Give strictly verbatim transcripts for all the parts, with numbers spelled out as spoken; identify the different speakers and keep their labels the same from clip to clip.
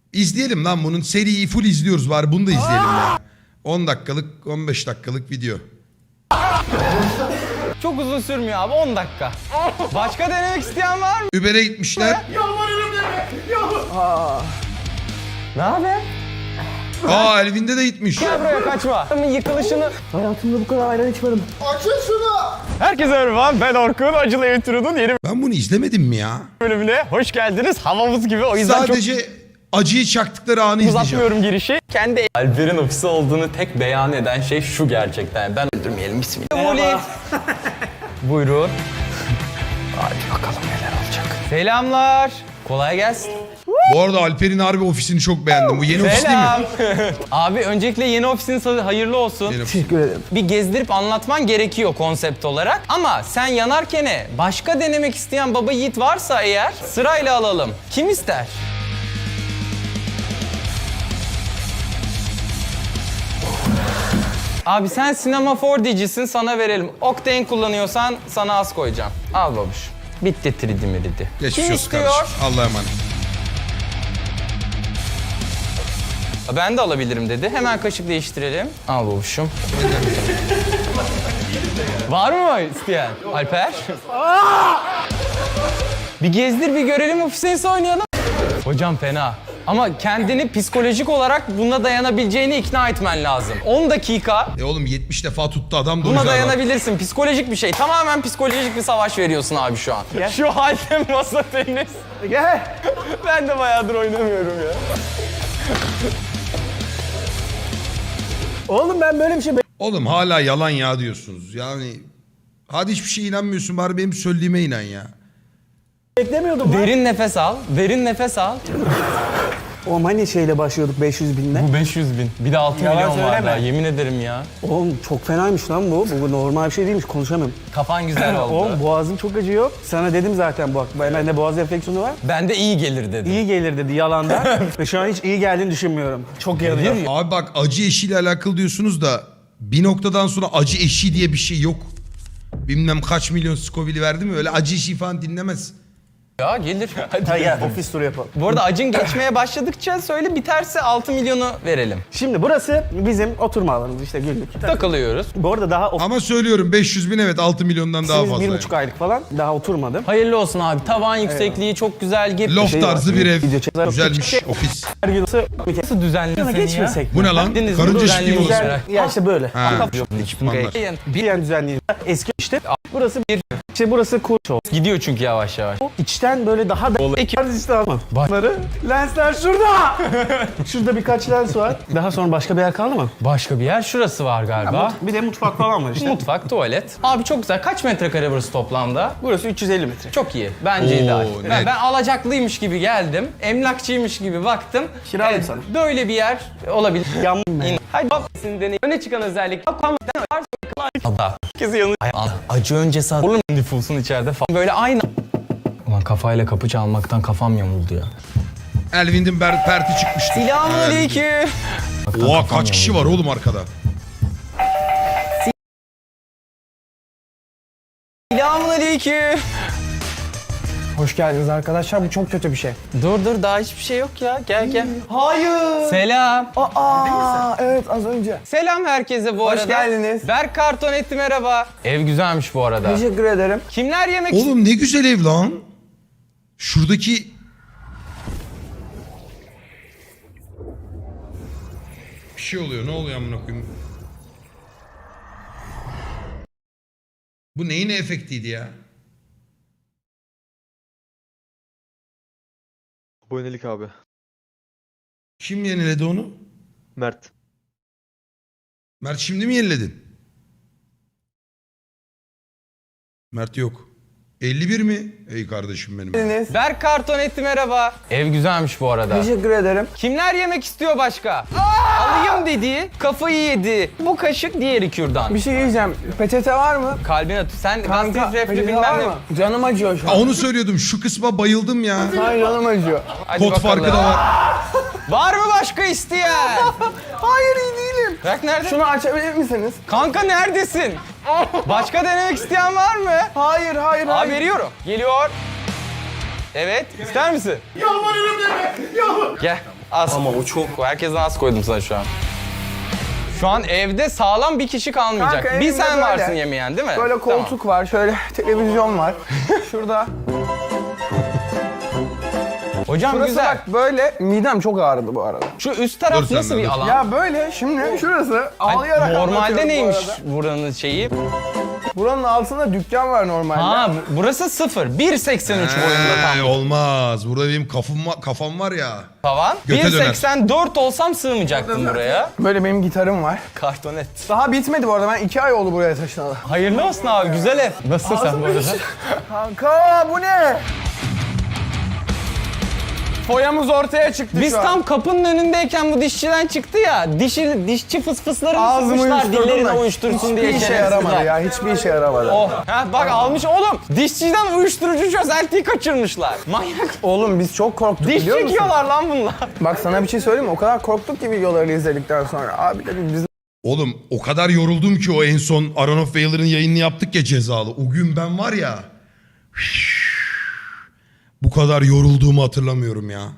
Speaker 1: İzleyelim lan bunun seriyi full izliyoruz bari bunu da izleyelim ya. on dakikalık on beş dakikalık video.
Speaker 2: Çok uzun sürmüyor abi, on dakika. Başka denemek isteyen var mı?
Speaker 1: Uber'e gitmişler.
Speaker 3: Yalvarırım deme. Yalvar.
Speaker 2: Ne haber?
Speaker 1: Aa Elvin'de de gitmiş.
Speaker 2: Gel buraya, kaçma. Yıkılışını...
Speaker 3: Hayatımda bu kadar ayran içmedim. Açın şunu.
Speaker 2: Herkese merhaba, ben Orkun. Acılı Ev Turu'nun yeni
Speaker 1: Ben bunu izlemedim mi ya?
Speaker 2: bölümüne hoş geldiniz. Havamız gibi, o yüzden
Speaker 1: Sadece acıyı çaktıkları anı
Speaker 2: çok
Speaker 1: izleyeceğim.
Speaker 2: uzatmıyorum girişi. Kendi Alper'in ofisi olduğunu tek beyan eden şey şu gerçekten. Ben öldürmeyelim, bismillah. Buyurun. Hadi bakalım neler olacak. Selamlar. Kolay gelsin.
Speaker 1: Bu arada Alper'in harbi ofisini çok beğendim. Bu yeni ofis değil
Speaker 2: Selam.
Speaker 1: mi?
Speaker 2: Abi öncelikle yeni ofisiniz hayırlı olsun.
Speaker 1: Yeni ofis.
Speaker 3: Teşekkür ederim.
Speaker 2: Bir gezdirip anlatman gerekiyor konsept olarak. Ama sen yanarken başka denemek isteyen baba yiğit varsa eğer sırayla alalım. Kim ister? Abi sen Sinema four D'cisin, sana verelim. Octane kullanıyorsan sana az koyacağım. Al babuş. Bitti tridi miridi.
Speaker 1: Geçmiş
Speaker 2: Kim
Speaker 1: olsun
Speaker 2: istiyor?
Speaker 1: kardeşim. Allah'a emanet.
Speaker 2: Ben de alabilirim dedi. Hemen kaşık değiştirelim. Al babuşum. Var mı isteyen? Alper? Bir gezdir, bir görelim, ofisinizi oynayalım. Hocam fena. Ama kendini psikolojik olarak buna dayanabileceğini ikna etmen lazım. on dakika
Speaker 1: E oğlum yetmiş defa tuttu adam da o
Speaker 2: buna
Speaker 1: yüzden adam.
Speaker 2: dayanabilirsin. Psikolojik bir şey. Tamamen psikolojik bir savaş veriyorsun abi şu an.
Speaker 3: Gel.
Speaker 2: Şu halde masa tenis.
Speaker 3: Gel.
Speaker 2: Ben de bayağıdır oynamıyorum ya.
Speaker 3: Oğlum ben böyle bir şey
Speaker 1: Oğlum hala yalan ya diyorsunuz. Yani hadi hiçbir şeye inanmıyorsun bari benim söylediğime inan ya.
Speaker 3: beklemiyordum. lan.
Speaker 2: Derin nefes al. Derin nefes al.
Speaker 3: Oğlum hani şeyle başlıyorduk beş yüz binle.
Speaker 2: Bu beş yüz bin. Bir de altı
Speaker 3: Yalan
Speaker 2: milyon var
Speaker 3: söyleme.
Speaker 2: daha. Yemin ederim ya.
Speaker 3: Oğlum çok fenaymış lan bu. Bu normal bir şey değilmiş, konuşamıyorum.
Speaker 2: Kafan güzel oldu.
Speaker 3: Oğlum boğazım çok acıyor. Sana dedim zaten bu. Bende boğaz enfeksiyonu var.
Speaker 2: Bende iyi gelir dedi.
Speaker 3: İyi gelir dedi yalandan. Ve şu an hiç iyi geldiğini düşünmüyorum. Çok yanıyor.
Speaker 1: Abi bak acı eşiyle alakalı diyorsunuz da bir noktadan sonra acı eşi diye bir şey yok. Bilmem kaç milyon Scoville'i verdi mi öyle acı eşi falan dinlemez.
Speaker 2: Ya gelir. Hadi.
Speaker 3: Hadi gel ofis turu yapalım.
Speaker 2: Bu arada acın geçmeye başladıkça söyle, biterse altı milyonu verelim.
Speaker 3: Şimdi burası bizim oturma alanımız işte günlük.
Speaker 2: Takılıyoruz.
Speaker 3: Bu arada daha
Speaker 1: Ama söylüyorum beş yüz bin evet altı milyondan daha
Speaker 3: ofisimiz
Speaker 1: fazla.
Speaker 3: bir
Speaker 1: yani.
Speaker 3: buçuk aylık falan. Daha oturmadım.
Speaker 2: Hayırlı olsun abi. Tavan yüksekliği çok güzel. Gir.
Speaker 1: Loft
Speaker 3: şey var,
Speaker 1: tarzı bir ev.
Speaker 3: video çeker-
Speaker 1: Güzelmiş ofis.
Speaker 3: Her gün nasıl
Speaker 2: Nasıl düzenli
Speaker 3: Yana
Speaker 2: seni
Speaker 3: geçmesek
Speaker 2: ya?
Speaker 3: mi?
Speaker 1: Bu ne lan?
Speaker 2: Deniz,
Speaker 1: Karınca
Speaker 2: düzenli
Speaker 1: şekli mi olsun?
Speaker 2: güzel.
Speaker 3: Ya işte böyle.
Speaker 1: Ha,
Speaker 2: Yok,
Speaker 1: ekipmanlar.
Speaker 3: Bir yan düzenleyici. Eski işte. Burası bir. İşte burası kurşo.
Speaker 2: Gidiyor çünkü yavaş yavaş.
Speaker 3: İçten böyle daha da...
Speaker 2: Ekip.
Speaker 3: işte ama. Bunları. Lensler şurada. Şurada birkaç lens var. Daha sonra başka bir yer kaldı mı?
Speaker 2: Başka bir yer şurası var galiba.
Speaker 3: Bir de mutfak falan var işte.
Speaker 2: Mutfak, tuvalet. Abi çok güzel. Kaç metrekare burası toplamda?
Speaker 3: Burası üç yüz elli metre.
Speaker 2: Çok iyi. Bence
Speaker 1: Oo,
Speaker 2: ideal.
Speaker 1: net.
Speaker 2: Ben, ben alacaklıymış gibi geldim. Emlakçıymış gibi baktım.
Speaker 3: Kiralayayım sana.
Speaker 2: Böyle bir yer olabilir.
Speaker 3: Yandım ben.
Speaker 2: İn. Hadi bak deneyin. Öne çıkan özellik. Allah. Herkesi yanı. Acı önce sağ. Olur mu nüfusun içeride falan. Böyle aynı. Ulan kafayla kapı çalmaktan kafam yamuldu ya.
Speaker 1: Elvin'in ber perti çıkmıştı.
Speaker 2: Selamünaleyküm.
Speaker 1: Oha kaç kişi var oğlum arkada?
Speaker 2: Selamünaleyküm.
Speaker 4: Hoş geldiniz arkadaşlar. Bu çok kötü bir şey.
Speaker 2: Dur dur, daha hiçbir şey yok ya. Gel gel.
Speaker 4: Hayır.
Speaker 2: Selam.
Speaker 4: Aa, evet az önce.
Speaker 2: Selam herkese bu
Speaker 4: Hoş
Speaker 2: arada.
Speaker 4: geldiniz.
Speaker 2: Berk Karton etti, merhaba. Ev güzelmiş bu arada.
Speaker 4: Teşekkür ederim.
Speaker 2: Kimler yemek
Speaker 1: Oğlum ne güzel ev lan. Şuradaki... Bir şey oluyor. Ne oluyor amına koyayım? Bu neyin efektiydi ya?
Speaker 5: Abonelik abi.
Speaker 1: Kim yeniledi onu?
Speaker 5: Mert.
Speaker 1: Mert şimdi mi yeniledin? Mert yok. elli bir mi? Ey kardeşim benim.
Speaker 4: Geldiniz.
Speaker 2: Berk Karton etti, merhaba. Ev güzelmiş bu arada.
Speaker 4: Teşekkür ederim.
Speaker 2: Kimler yemek istiyor başka? Alayım dedi, kafayı yedi. Bu kaşık, diğeri kürdan.
Speaker 4: Bir şey diyeceğim. Peçete var mı?
Speaker 2: Kalbine tut. Sen
Speaker 4: Kanka,
Speaker 2: gastrit reflü
Speaker 4: peçete
Speaker 2: bilmem
Speaker 4: var
Speaker 2: ne.
Speaker 4: mı? Canım acıyor şu
Speaker 1: Ha,
Speaker 4: an.
Speaker 1: onu söylüyordum. Şu kısma bayıldım ya.
Speaker 4: Hayır canım acıyor.
Speaker 2: Hadi
Speaker 1: Kod
Speaker 2: bakalım.
Speaker 1: farkı da var.
Speaker 2: Var mı başka isteyen?
Speaker 4: Hayır iyi değilim.
Speaker 2: Berk nerede?
Speaker 4: Şunu açabilir misiniz?
Speaker 2: Kanka neredesin? Başka denemek isteyen var mı?
Speaker 4: Hayır hayır
Speaker 2: Abi
Speaker 4: hayır.
Speaker 2: veriyorum. Geliyor. Evet. İster misin?
Speaker 3: Yalvarırım deme. Yalvar.
Speaker 2: Gel. Az. Ama o çok. Herkesten az koydum sana şu an. Şu an evde sağlam bir kişi kalmayacak.
Speaker 4: Kanka,
Speaker 2: bir
Speaker 4: evimde
Speaker 2: sen
Speaker 4: böyle.
Speaker 2: varsın yemeyen değil mi?
Speaker 4: Böyle koltuk var, şöyle televizyon var. Şurada.
Speaker 2: Hocam
Speaker 4: Burası
Speaker 2: güzel.
Speaker 4: bak böyle, midem çok ağrıdı bu arada.
Speaker 2: Şu üst taraf
Speaker 1: Dur sen
Speaker 2: nasıl
Speaker 1: de,
Speaker 2: bir
Speaker 1: dur.
Speaker 2: alan?
Speaker 4: Ya böyle şimdi şurası ağlayarak
Speaker 2: Normalde
Speaker 4: anlatıyorum bu
Speaker 2: neymiş
Speaker 4: arada.
Speaker 2: buranın şeyi?
Speaker 4: Buranın altında dükkan var normalde.
Speaker 2: Ha bu- burası sıfır. bir seksen üç boyunda tam
Speaker 1: He, olmaz. Burada benim kafam, va- kafam var ya.
Speaker 2: tavan.
Speaker 1: Göte
Speaker 2: bir
Speaker 1: döner.
Speaker 2: seksen dört olsam sığmayacaktım buraya.
Speaker 4: Böyle benim gitarım var.
Speaker 2: Kartonet.
Speaker 4: Daha bitmedi bu arada, ben iki ay oldu buraya taşınalı.
Speaker 2: Hayırlı olsun abi, güzel ev. Nasılsın sen bu arada?
Speaker 4: Kanka bu ne? Foyamız ortaya çıktı
Speaker 2: Biz
Speaker 4: şu an.
Speaker 2: tam kapının önündeyken bu dişçiden çıktı ya. Dişi, dişçi fısfıslarını
Speaker 4: Ağzımı
Speaker 2: sıkmışlar
Speaker 4: uyuşturdum
Speaker 2: dillerini
Speaker 4: da
Speaker 2: uyuştursun diye.
Speaker 4: Hiçbir işe
Speaker 2: şerefsizler.
Speaker 4: yaramadı ya, hiçbir işe yaramadı.
Speaker 2: Oh, ha, bak almış oğlum. Dişçiden uyuşturucu çözeltiyi kaçırmışlar. Manyak.
Speaker 4: Oğlum biz çok korktuk
Speaker 2: Diş
Speaker 4: biliyor musun?
Speaker 2: çekiyorlar lan bunlar.
Speaker 4: Bak sana bir şey söyleyeyim mi? O kadar korktuk ki videoları izledikten sonra. Abi dedim biz
Speaker 1: Oğlum o kadar yoruldum ki o en son Aron of Valor'ın yayınını yaptık ya cezalı. O gün ben var ya. Bu kadar yorulduğumu hatırlamıyorum ya.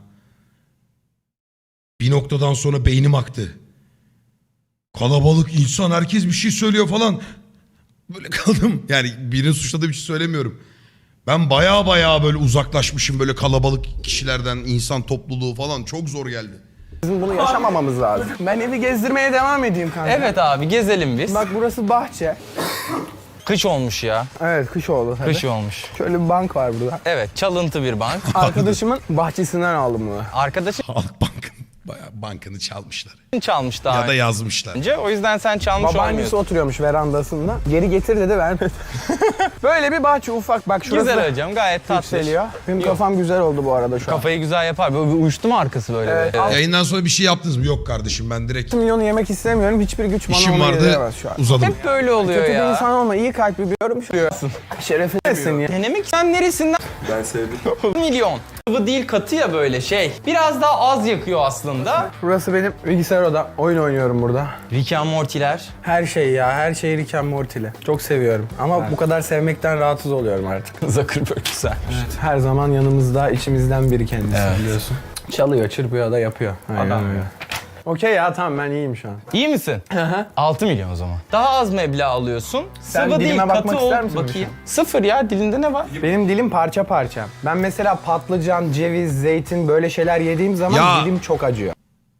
Speaker 1: Bir noktadan sonra beynim aktı. Kalabalık insan, herkes bir şey söylüyor falan. Böyle kaldım. Yani birinin suçladığı bir şey söylemiyorum. Ben baya baya böyle uzaklaşmışım böyle kalabalık kişilerden, insan topluluğu falan. Çok zor geldi.
Speaker 4: bizim bunu yaşamamamız lazım. Ben evi gezdirmeye devam edeyim kanka.
Speaker 2: Evet abi gezelim biz.
Speaker 4: Bak burası bahçe.
Speaker 2: Kış olmuş ya.
Speaker 4: Evet kış oldu tabii.
Speaker 2: Kış olmuş.
Speaker 4: Şöyle bir bank var burada.
Speaker 2: Evet çalıntı bir bank.
Speaker 4: Arkadaşımın bahçesinden aldım bunu.
Speaker 2: Arkadaşın
Speaker 1: Halk Bank'ın bayağı bankını çalmışlar.
Speaker 2: çalmış daha
Speaker 1: Ya da yazmışlar.
Speaker 2: önce. O yüzden sen çalmış
Speaker 4: Babaannesi
Speaker 2: olmuyorsun.
Speaker 4: oturuyormuş verandasında. Geri getir dedi vermedi. Böyle bir bahçe ufak bak şurası
Speaker 2: Güzel hocam gayet tatlı.
Speaker 4: yükseliyor. Benim kafam güzel oldu bu arada şu an.
Speaker 2: Kafayı güzel yapar. Böyle bir uyuştu mu arkası böyle?
Speaker 4: Evet.
Speaker 2: Evet.
Speaker 1: Yayından sonra bir şey yaptınız mı? Yok kardeşim, ben direkt
Speaker 4: Milyonu yemek istemiyorum. Hiçbir güç bana
Speaker 1: işim
Speaker 4: onu
Speaker 1: vardı,
Speaker 4: yediremez şu an.
Speaker 1: uzadım.
Speaker 2: Hep böyle oluyor
Speaker 4: Kötü bir
Speaker 2: ya.
Speaker 4: insan olma. İyi kalpli bir yorum şuruyorsun. Şereflisin ya.
Speaker 2: Denemek sen neresinden?
Speaker 5: Ben sevdim.
Speaker 2: Milyon. Sıvı değil katı ya böyle şey. Biraz daha az yakıyor aslında.
Speaker 4: Burası benim bilgisayar odam. Oyun oynuyorum burada.
Speaker 2: Rick and Morty'ler.
Speaker 4: Her şey ya. Her şey Rick and Morty'li. Çok seviyorum. Ama bu kadar sevmekten rahatsız oluyorum artık.
Speaker 2: Zuckerberg güzel.
Speaker 4: Her zaman yanımızda, içimizden biri kendisi
Speaker 2: Evet.
Speaker 4: biliyorsun. Çalıyor, çırpıyor da yapıyor. Aynen
Speaker 2: Adam
Speaker 4: öyle.
Speaker 2: ya.
Speaker 4: Okey ya tamam ben iyiyim şu an.
Speaker 2: İyi misin? altı milyon o zaman. Daha az meblağ alıyorsun.
Speaker 4: Sen
Speaker 2: Sıvı değil
Speaker 4: dilime
Speaker 2: katı
Speaker 4: bakmak
Speaker 2: ol.
Speaker 4: ister misin
Speaker 2: Bakayım. Sıfır ya, dilinde ne var?
Speaker 4: Benim dilim parça parça. Ben mesela patlıcan, ceviz, zeytin böyle şeyler yediğim zaman
Speaker 1: Ya.
Speaker 4: dilim çok acıyor.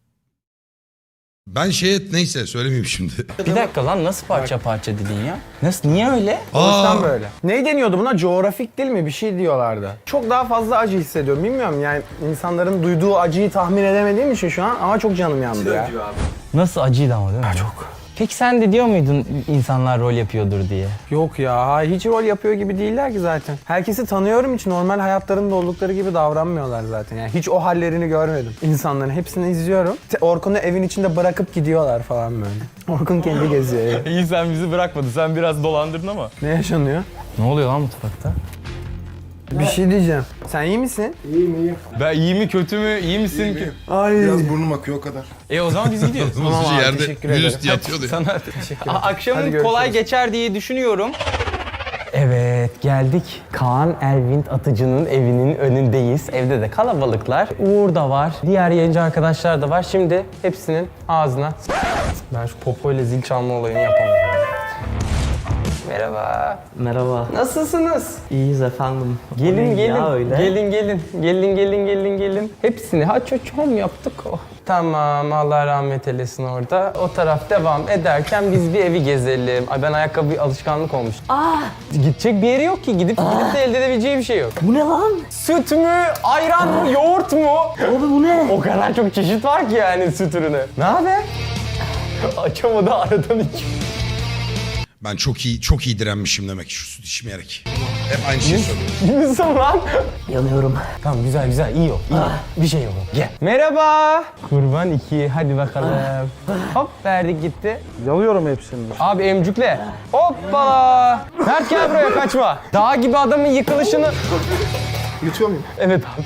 Speaker 1: Ben şeye neyse söylemeyeyim şimdi.
Speaker 2: Bir dakika lan, nasıl parça parça dedin ya? Nasıl, niye öyle?
Speaker 4: O yüzden
Speaker 1: Aa,
Speaker 4: böyle. Ne deniyordu buna? Coğrafik dil mi? Bir şey diyorlardı. Çok daha fazla acı hissediyorum. Bilmiyorum yani insanların duyduğu acıyı tahmin edemediğim için şu an ama çok canım yandı ya.
Speaker 2: Nasıl acıydı ama değil mi? Çok. Peki sen de diyor muydun insanlar rol yapıyordur diye?
Speaker 4: Yok ya hiç rol yapıyor gibi değiller ki zaten. Herkesi tanıyorum, hiç normal hayatlarında oldukları gibi davranmıyorlar zaten. Yani hiç o hallerini görmedim. İnsanların hepsini izliyorum. Te- Orkun'u evin içinde bırakıp gidiyorlar falan böyle. Orkun kendi geziyor. ya.
Speaker 2: İyi, sen bizi bırakmadın. Sen biraz dolandırdın ama.
Speaker 4: Ne yaşanıyor?
Speaker 2: Ne oluyor lan mutfakta?
Speaker 4: Bir şey diyeceğim. Sen iyi misin?
Speaker 2: Ben iyi mi kötü mü? İyi misin ki?
Speaker 4: Ay.
Speaker 6: Biraz burnum akıyor o kadar.
Speaker 2: E o zaman biz gidiyoruz.
Speaker 1: Tamam
Speaker 4: abi,
Speaker 1: yerde
Speaker 4: teşekkür ederim.
Speaker 1: virüs yatıyordu ya.
Speaker 2: Sana
Speaker 4: Teşekkür
Speaker 2: A-
Speaker 4: ederim. Hadi
Speaker 2: akşamın
Speaker 4: görüşürüz.
Speaker 2: kolay geçer diye düşünüyorum. Evet geldik. Kaan Elvin Atıcı'nın evinin önündeyiz. Evde de kalabalıklar. Uğur da var. Diğer yayıncı arkadaşlar da var. Şimdi hepsinin ağzına... Ben şu popoyla zil çalma olayını yapamam. Merhaba.
Speaker 7: Merhaba.
Speaker 2: Nasılsınız?
Speaker 7: İyiyiz efendim.
Speaker 2: Gelin
Speaker 7: O ne
Speaker 2: gelin.
Speaker 7: ya öyle?
Speaker 2: Gelin gelin. Gelin gelin gelin gelin. Hepsini ha çocuğum yaptık o. Tamam Allah rahmet eylesin orada. O taraf devam ederken biz bir evi gezelim. Ay ben ayakkabı alışkanlık olmuş.
Speaker 7: Aa,
Speaker 2: Gidecek bir yeri yok ki. Gidip gidip de elde edebileceği bir şey yok.
Speaker 7: bu ne lan?
Speaker 2: Süt mü, ayran mı, yoğurt mu?
Speaker 7: Abi bu ne?
Speaker 2: O kadar çok çeşit var ki yani süt ürünü. Ne haber? Açamadı aradan hiç.
Speaker 1: Ben çok iyi çok iyi direnmişim demek ki şu süt içmeyerek. Hep aynı şeyi söylüyorum.
Speaker 2: İyi misin lan?
Speaker 7: Yanıyorum.
Speaker 2: Tamam güzel güzel iyi yok. iyi yok. Bir şey yok. Gel. Merhaba. Kurban iki. Hadi bakalım. Hop verdik gitti.
Speaker 3: Yalıyorum hepsini.
Speaker 2: Abi emcükle. Hoppala. Mert gel buraya kaçma. Dağ gibi adamın yıkılışını...
Speaker 6: Yutuyor muyum?
Speaker 2: Evet abi.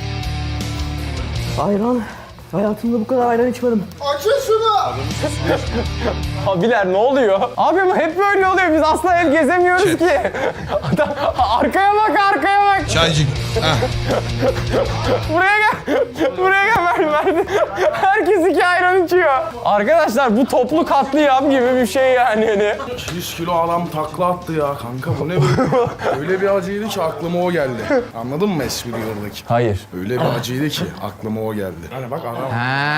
Speaker 7: Ayran. Hayatımda bu kadar ayran içmedim.
Speaker 6: Açın şunu!
Speaker 2: Abiler ne oluyor? Abi ama hep böyle oluyor. Biz asla ev gezemiyoruz
Speaker 1: Şey-
Speaker 2: ki. Adam, arkaya bak arkaya bak.
Speaker 1: Çaycık. Heh.
Speaker 2: Buraya gel.
Speaker 4: Buraya gel Mert. Herkes iki ayran içiyor. Arkadaşlar bu toplu katliam gibi bir şey yani. Hani.
Speaker 8: yüz kilo adam takla attı ya kanka, bu ne böyle? Öyle bir acıydı ki aklıma o geldi. Anladın mı espriyi oradaki?
Speaker 4: Hayır.
Speaker 8: Öyle bir acıydı ki aklıma o geldi. Hani bak adam.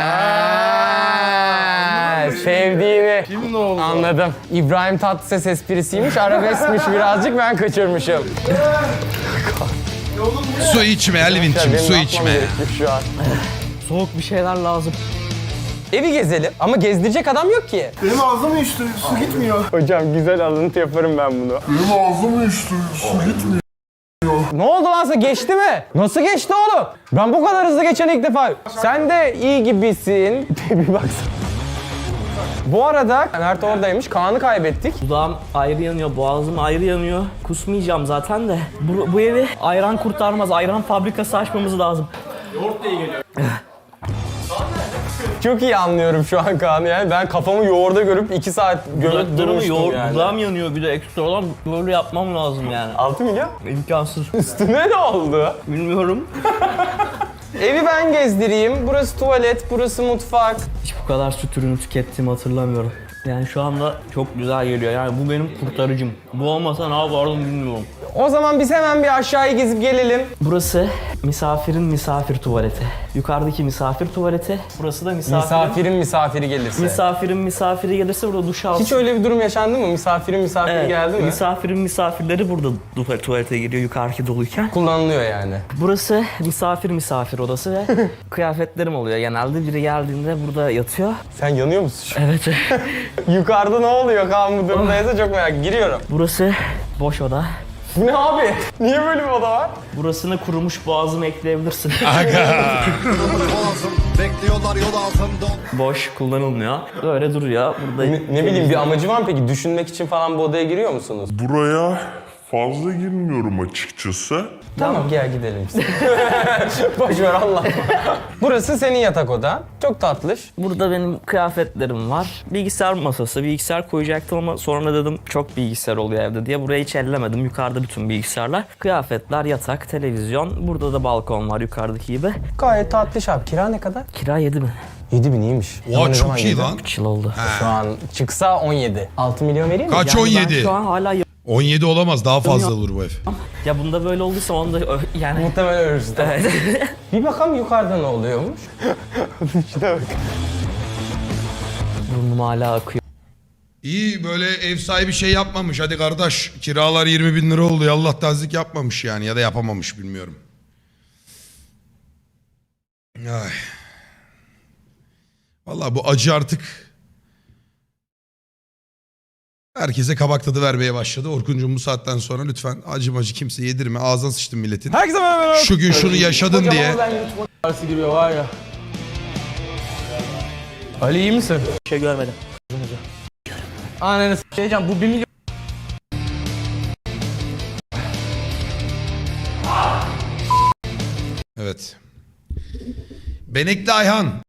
Speaker 4: Ha, sevdiğini
Speaker 8: Kim ne oldu?
Speaker 4: anladım. İbrahim Tatlıses esprisiymiş, arabeskmiş birazcık, ben kaçırmışım.
Speaker 1: Su içme Elvin'cim,
Speaker 4: Benim
Speaker 1: su
Speaker 4: yapmam
Speaker 1: içme.
Speaker 4: gerekiyor şu an.
Speaker 7: Soğuk bir şeyler lazım.
Speaker 4: Evi gezelim ama gezdirecek adam yok ki.
Speaker 6: Benim ağzım uyuştu. Su gitmiyor.
Speaker 4: Hocam güzel alıntı yaparım ben bunu.
Speaker 6: Benim ağzım uyuştu. Su gitmiyor.
Speaker 4: Ne oldu lan sana, geçti mi? Nasıl geçti oğlum? Ben bu kadar hızlı geçen ilk defa. Sen de iyi gibisin. Bir baksana. Bu arada Mert oradaymış, Kaan'ı kaybettik.
Speaker 7: Dudağım ayrı yanıyor, boğazım ayrı yanıyor. Kusmayacağım zaten de. Bu, bu evi ayran kurtarmaz. Ayran fabrikası açmamız lazım.
Speaker 4: Çok iyi anlıyorum şu an Kaan'ı yani. Ben kafamı yoğurda görüp iki saat gömüp
Speaker 7: Dudaklarımı
Speaker 4: durmuştum
Speaker 7: yoğur,
Speaker 4: yani.
Speaker 7: dudağım yanıyor bir de ekstra olan böyle yapmam lazım yani.
Speaker 4: altı milyon?
Speaker 7: İmkansız.
Speaker 4: Üstüne ne oldu?
Speaker 7: Bilmiyorum.
Speaker 4: Evi ben gezdireyim. Burası tuvalet, burası mutfak.
Speaker 7: Hiç bu kadar süt ürünü tükettiğimi hatırlamıyorum. Yani şu anda çok güzel geliyor. Yani bu benim kurtarıcım. Bu olmasa ne yapardım bilmiyorum.
Speaker 4: O zaman biz hemen bir aşağıya gezip gelelim.
Speaker 7: Burası misafirin misafir tuvaleti. Yukarıdaki misafir tuvaleti. Burası da misafirin...
Speaker 4: Misafirin misafiri gelirse.
Speaker 7: Misafirin misafiri gelirse burada duş alsın.
Speaker 4: Hiç öyle bir durum yaşandı mı? Misafirin misafiri
Speaker 7: Evet,
Speaker 4: geldi mi?
Speaker 7: misafirin misafirleri burada du- tuvalete giriyor yukarıki doluyken.
Speaker 4: Kullanılıyor yani.
Speaker 7: Burası misafir misafir odası ve kıyafetlerim oluyor. Genelde biri geldiğinde burada yatıyor.
Speaker 4: Sen yanıyor musun şu an?
Speaker 7: Evet.
Speaker 4: Yukarıda ne oluyor Kaan bu durumdaysa çok merak. Giriyorum.
Speaker 7: Burası boş oda.
Speaker 4: Bu ne abi? Niye böyle bir oda var?
Speaker 7: Burasına kurumuş boğazımı ekleyebilirsin. Boş, kullanılmıyor. Böyle duruyor. Burada
Speaker 4: Ne, ne bileyim bir amacı var mı peki? Düşünmek için falan bu odaya giriyor musunuz?
Speaker 9: Buraya fazla girmiyorum açıkçası.
Speaker 4: Tamam gel gidelim biz. Boş ver Allah. Burası senin yatak odan. Çok tatlış.
Speaker 7: Burada benim kıyafetlerim var. Bilgisayar masası, bilgisayar koyacaktım ama sonra dedim çok bilgisayar oluyor evde diye burayı hiç ellemedim. Yukarıda bütün bilgisayarlar. Kıyafetler, yatak, televizyon. Burada da balkon var yukarıdaki gibi.
Speaker 4: Gayet tatlış abi. Kira ne kadar?
Speaker 7: Kira yedi bin.
Speaker 4: yedi bin iyiymiş. Ama
Speaker 1: Oha
Speaker 4: ne zaman
Speaker 1: çok iyi
Speaker 4: yedi?
Speaker 1: lan.
Speaker 7: üç yıl oldu.
Speaker 4: Şu an çıksa on yedi. altı milyon vereyim mi?
Speaker 1: Kaç
Speaker 7: Yani
Speaker 1: on yedi?
Speaker 7: Ben şu an hala
Speaker 1: on yedi olamaz, daha fazla olur bu ev.
Speaker 7: ya bunda böyle olduysa onda ö- yani
Speaker 4: Muhtemelen ölürsün.
Speaker 7: evet.
Speaker 4: Bir bakalım yukarıda ne oluyormuş. Şuna bak.
Speaker 7: Burnum hala akıyor.
Speaker 1: İyi, böyle ev sahibi şey yapmamış. Hadi kardeş, kiralar yirmi bin lira oldu. Allah tazik yapmamış yani, ya da yapamamış, bilmiyorum. Ay. Vallahi bu acı artık herkese kabak tadı vermeye başladı. Orkuncuğum bu saatten sonra lütfen acı macı kimse yedirme. Ağzına sıçtın milletin.
Speaker 4: Herkese merhaba.
Speaker 1: Şu gün şunu yaşadın diye.
Speaker 4: Arası giriyor var ya. Ali iyi misin?
Speaker 7: Bir şey görmedim.
Speaker 4: Ananı s**eyeceğim bu bir milyon.
Speaker 1: Evet. Benekli Ayhan.